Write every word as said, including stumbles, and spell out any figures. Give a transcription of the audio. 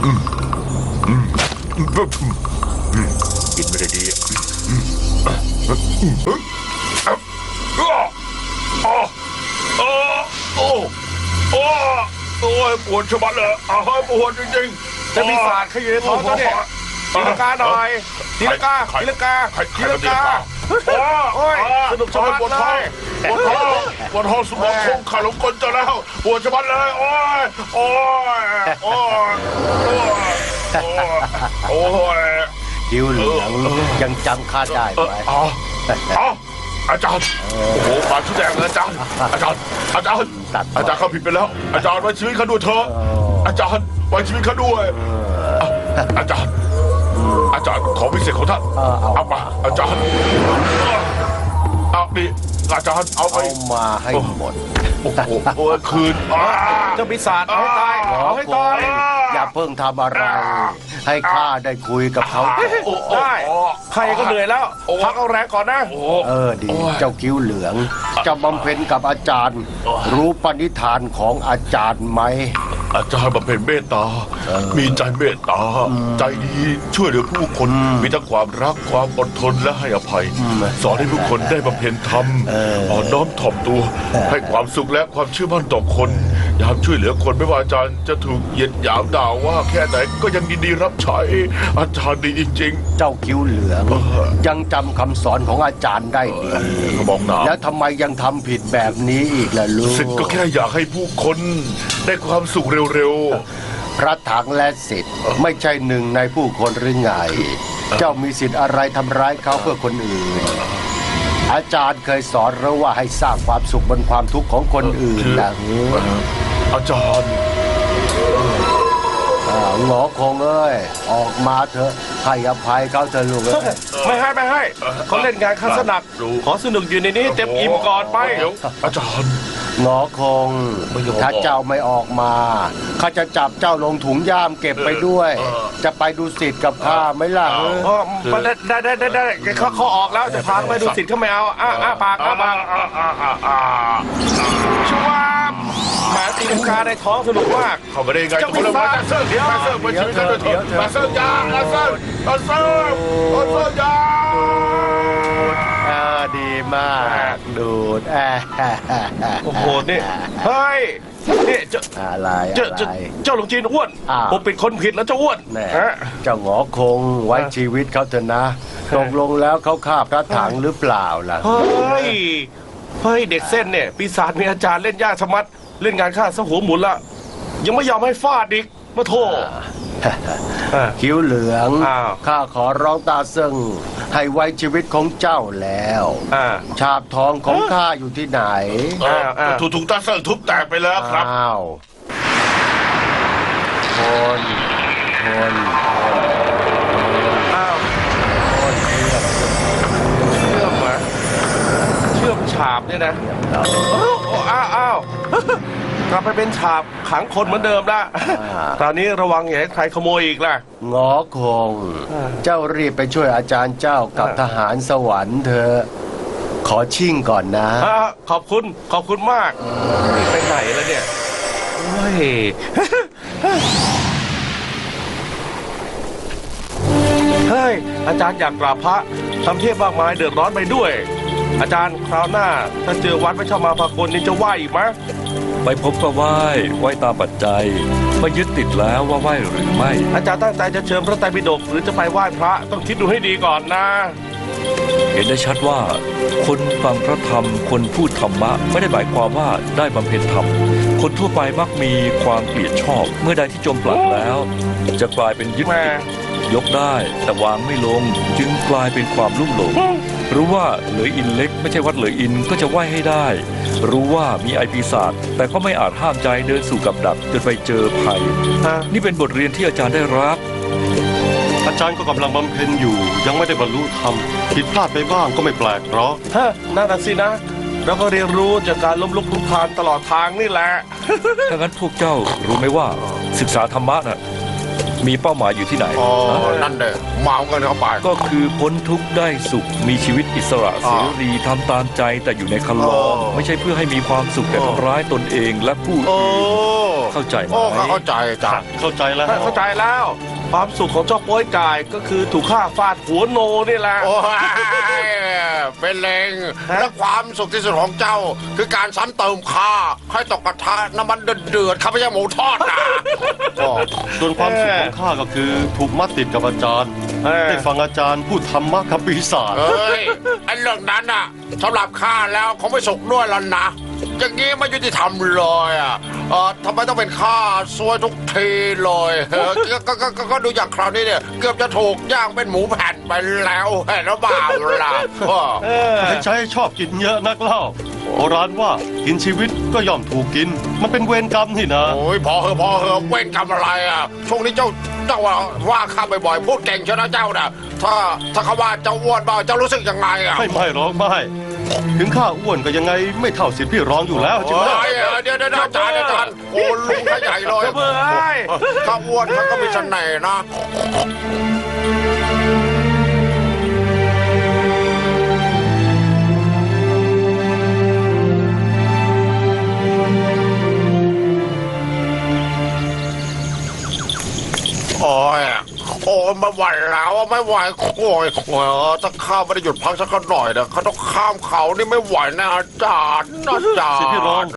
กินไม่ได้ดีโอ้โอ้โอ้ยปวดชะมัดเลยอ้าวปวดจริงๆจะมีสารขยืนท้องเจ้าเนี่ยตีลังกาหน่อยตีลังกาตีลังกาตีลังกาโอ้ยสนุกชะมัดเลยปวดท้องปวดท้องสมองคงขาดลงกลจะแล้วปวดชะมัดเลยโอ้ยโอ้ยโอ้ยโอ้ยคิ้วเหลืองยังจำข้าได้ไหมอ๋ออ๋ออาจารย์โอ้โหปากชุดแดงเลยอาจารย์อาจารย์อาจารย์อาจารย์เขาผิดไปแล้วอาจารย์ไว้ชีวิตเขาด้วยเถอะอาจารย์ไว้ชีวิตเขาด้วยอาจารย์อาจารย์ของพิเศษของท่านเอามาอาจารย์เอาดิอาจารย์เอาไปเอามาให้หมดโอ้โหโอ้ยคืนเจ้าปีศาจเอาให้ตายหมอเอาให้โกตายงอย่าเพิ่งทำอะไร ให้ข้าได้คุยกับเขาได้ใครก็เหนื่อยแล้วพักเอาแรงก่อนนะเออดีเจ้าคิ้วเหลืองจะบำเพ็ญกับอาจารย์ รู้ปณิธานของอาจารย์ไหมอาจารย์บำเพ็ญเมตตา มีใจเมตตา ใจดีช่วยเหลือผู้คน มีทั้งความรักความอดทนและให้อภัย สอนให้ผู้คนได้บำเพ็ญธรรมอ่อนน้อมถ่อมตัว ให้ความสุขและความเชื่อมั่นต่อคน ยามช่วยเหลือคนไม่ว่าอาจารย์จะถูกเหยียดหยามด่าว่าแค่ไหนก็ยังยินดีรับใช้ อาจารย์ดีจริงเจ้าคิ้วเหลืองยังจำคำสอนของอาจารย์ได้ดีๆเขาบอกหนาแล้วทำไมยังทำผิดแบบนี้อีกล่ะลูกสิทธิ์ก็แค่อยากให้ผู้คนได้ความสุขเร็วๆพระถังและสิทธิ์ไม่ใช่หนึ่งในผู้คนหรือไง เจ้ามีสิทธิ์อะไรทำร้ายเขาเพื่อคนอื่น อาจารย์เคยสอนเราว่าให้สร้างความสุขบนความทุกข์ของคนอื่นนะอาจารย์อ่าหงอคงเอ้ยออกมาเถอะให้อภัยเขาเถอะลูกเอ้ยไม่ให้ไม่ให้เขาเล่นงานข้าสนักขอสนุกอยู่ในนี้เต็มอิ่มก่อนไปเดี๋ยวอาจารย์หงอคงไม่ยอมถ้าเจ้าไม่ออกมาข้าจะจับเจ้าลงถุงย่ามเก็บไปด้วยเออจะไปดูสิทธิ์กับข้าไหมล่ะเอออ๋อได้ได้ได้ได้ได้เขาเขาออกแล้วจะพาไปดูสิทธิ์เขาไม่เอาอ้าอ้าปากอ้าปากชัวร์แหมตีลังกาในท้องสนุกมากเขาไม่ได้ไงเขาเลยมาเซิร์ฟเดี๋ยวมาเซิร์ฟมาชีวิตกันด้วยเถอะมาเซิร์ฟยามาเซิร์ฟมาเซิร์ฟมาเซิร์ฟยาอ่าดีมากดูดแอะโอ้โหนี่เฮ้ยนี่เจ้าอะไรเจ้าอะไรเจ้าเจ้าหลงจีนอ้วนอ้าวผมเป็นคนผิดแล้วเจ้าอ้วนแน่ฮะเจ้าหงอคงไว้ชีวิตเขาเถอะนะตกลงแล้วเขาฆ่าพระถังหรือเปล่าล่ะเฮ้ยเฮ้ยเด็กเส้นเนี่ยปีศาจมีอาจารย์เล่นยากชะมัดเล่นงานข้าซะหัวหมุนละยังไม่ยอมให้ฟาดอีกมาโทษคิ้วเหลืองอ้าวข้าขอร้องตาเซิงให้ไว้ชีวิตของเจ้าแล้วอ่าชาบทองของข้าอยู่ที่ไหนถูกถูกตาเซิร์ฟทุบแตกไปแล้วครับอ้าวคนคนคนอ้าวคนเชื่อมเชื่อมเหรอเชื่อมฉาบเนี่ยนะโอ้โอ้อ้าวอ้าวกลับไปเป็นฉาบขังคนเหมือนเดิมละตอนนี้ระวังอย่าให้ใครขโมยอีกล่ะงอคง เจ้ารีบไปช่วยอาจารย์เจ้ากับทหารสวรรค์เถอะขอชิ่งก่อนนะอ่าขอบคุณขอบคุณมากนี่ไปไหนแล้วเนี่ยโอ้ย เฮ้ยอาจารย์อยากกราบพระทำเทพมากมายเดือดร้อนไปด้วย อาจารย์คราวหน้าถ้าเจอวัดไม่ชอบมาพากลนี่จะไหวอีกไหมไปพบก็ไหว้ไหว้ตามปัจจัยไม่ยึดติดแล้วว่าไหว้หรือไม่อาจารย์ตั้งใจจะเชิญพระไตรปิฎกหรือจะไปไหว้พระต้องคิดดูให้ดีก่อนนะเห็นได้ชัดว่า คนฟังพระธรรมคนพูดธรรมะไม่ได้หมายความว่าได้บำเพ็ญธรรม คนทั่วไปมักมีความเกลียดชอบ เมื่อใดที่จมปลักแล้ว จะกลายเป็นยึดแม่ติดยกได้แต่วางไม่ลง จึงกลายเป็นความลุ่มหลง รู้ว่าเหลยอินเล็กไม่ใช่วัดเหลยอินก็จะไหว้ให้ได้ รู้ว่ามีไอปีศาจแต่ก็ไม่อาจห้ามใจเดินสู่กับดักจนไปเจอภัยฮะนี่เป็นบทเรียนที่อาจารย์ได้รับอาจารย์ก็กำลังบำเพ็ญอยู่ ยังไม่ได้บรรลุธรรมผิดพลาดไปบ้างก็ไม่แปลกหรอกฮะนั่นน่ะสินะ เราก็เรียนรู้จากการล้มลุกคลุกคลานตลอดทางนี่แหละถ้างั้นพวกเจ้ารู้ไหมว่าศึกษาธรรมะน่ะมีเป้าหมายอยู่ที่ไหนอ๋อ นั่นเด้อเมากันเข้าไปก็คือพ้นทุกข์ได้สุขมีชีวิตอิสระเสรีทำตามใจแต่อยู่ในคันลองอ๋อไม่ใช่เพื่อให้มีความสุขแต่ทำร้ายตนเองและผู้โอ้อื่นเข้าใจไหมโอ้เข้าใจอาจารย์เข้าใจแล้วเข้าใจแล้ว ความสุขของเจ้าโป้ยกายก็คือถูกฆ่าฟาดหัวโนนี่แหละโอ้ยเป็นเลงและความสุขที่สุดของเจ้า คือการซ้ำเติมข้าให้ตกกระทะน้ำมันเดือดๆข้าไม่ใช่หมูทอดนะก็ส่วนความสุขของข้าก็คือถูกมัดติดกับอาจารย์เออได้ฟังอาจารย์พูดธรรมะกับปีศาจเอ้ยไอ้เรื่องนั้นน่ะสำหรับข้าแล้วคงไม่สุขด้วยแล้วนะอย่างนี้ไม่ยุติธรรมเลยอ่ะเออทำไมต้องเป็นข้าซวยทุกทีเลยเออก็ก็ก็ก็ก็ดูอย่างคราวนี้เนี่ยเกือบจะถูกย่างเป็นหมูแผ่นไปแล้วเห็นหรือเปล่าล่ะอ้อเออใครใช้ชอบกินเยอะนักเล่าโบราณว่ากินชีวิตก็ย่อมถูกกิน มันเป็นเวรกรรมนี่นะโอ้ยพอเหอะพอเหอะเว้นกรรมอะไรอ่ะช่วงนี้เจ้าเจ้าว่าว่าข้าบ่อยๆพูดเก่งเชียวนะเจ้าน่ะถ้าถ้าเขาว่าเจ้าอ้วนบ้าเจ้ารู้สึกยังไงอ่ะไม่ไม่ร้องไม่ถึงข้าอ้วนก็ยังไงไม่เท่าสิทธิ์พี่ร้องอยู่แล้วใช่ไหมเฮ้ยเดี๋ยวเดี๋ยวเดี๋ยวอาจารย์อาจารย์โอ้ลุงขใหญ่เลยเจ้าเบื่อไอ้ถ้าอ้วนมันก็มีเสน่ห์นะ โอ้ยโอ้ยไม่ไหวแล้วไม่ไหวโอ้ยโอ้ยถ้าข้าไม่ได้หยุดพักสักหน่อยนะเขาต้องข้ามเขานี่ไม่ไหวนะอาจารย์อาจารย์สิทธิ์พี่ร้อง